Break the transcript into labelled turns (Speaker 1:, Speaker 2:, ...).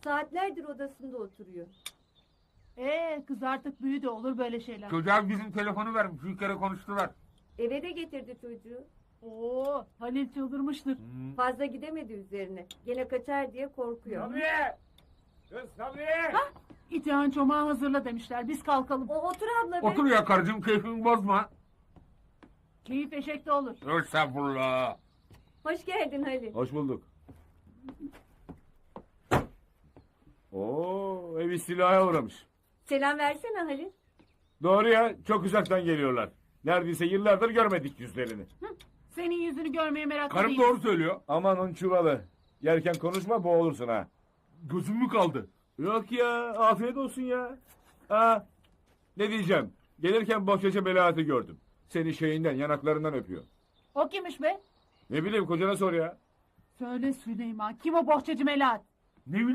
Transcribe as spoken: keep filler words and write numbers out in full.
Speaker 1: Saatlerdir odasında oturuyor.
Speaker 2: Ee, kız artık büyüdü, olur böyle şeyler.
Speaker 3: Çocuğa bizim telefonu vermiş. Bir kere konuştular.
Speaker 1: Eve de getirdi çocuğu.
Speaker 2: Oo, Halil çıldırmıştır.
Speaker 1: Fazla gidemedi üzerine. Gene kaçar diye korkuyor.
Speaker 4: Sabriye! Kız Sabriye!
Speaker 2: İtihan çomağı hazırla demişler, biz kalkalım.
Speaker 1: O otur abla be.
Speaker 3: Otur ya karıcığım, keyfini bozma.
Speaker 2: Keyif eşekte olur.
Speaker 3: Estağfurullah.
Speaker 1: Hoş geldin Halil.
Speaker 4: Hoş bulduk. Oo, ev istilaya uğramış.
Speaker 1: Selam versene Halil.
Speaker 4: Doğru ya, çok uzaktan geliyorlar. Neredeyse yıllardır görmedik yüzlerini.
Speaker 2: Senin yüzünü görmeye meraklı
Speaker 3: Karım
Speaker 2: değilim.
Speaker 3: doğru söylüyor.
Speaker 4: Aman un çuvalı. Yerken konuşma, boğulursun ha.
Speaker 3: Gözüm mü kaldı?
Speaker 4: Yok ya, afiyet olsun ya. Ha, ne diyeceğim? Gelirken bohçacı Melahat'i gördüm. Seni şeyinden, yanaklarından öpüyor.
Speaker 2: O kimmiş be?
Speaker 4: Ne bileyim, kocana sor ya.
Speaker 2: Söyle Süleyman, kim o bohçacı Melahat?
Speaker 3: Ne bileyim.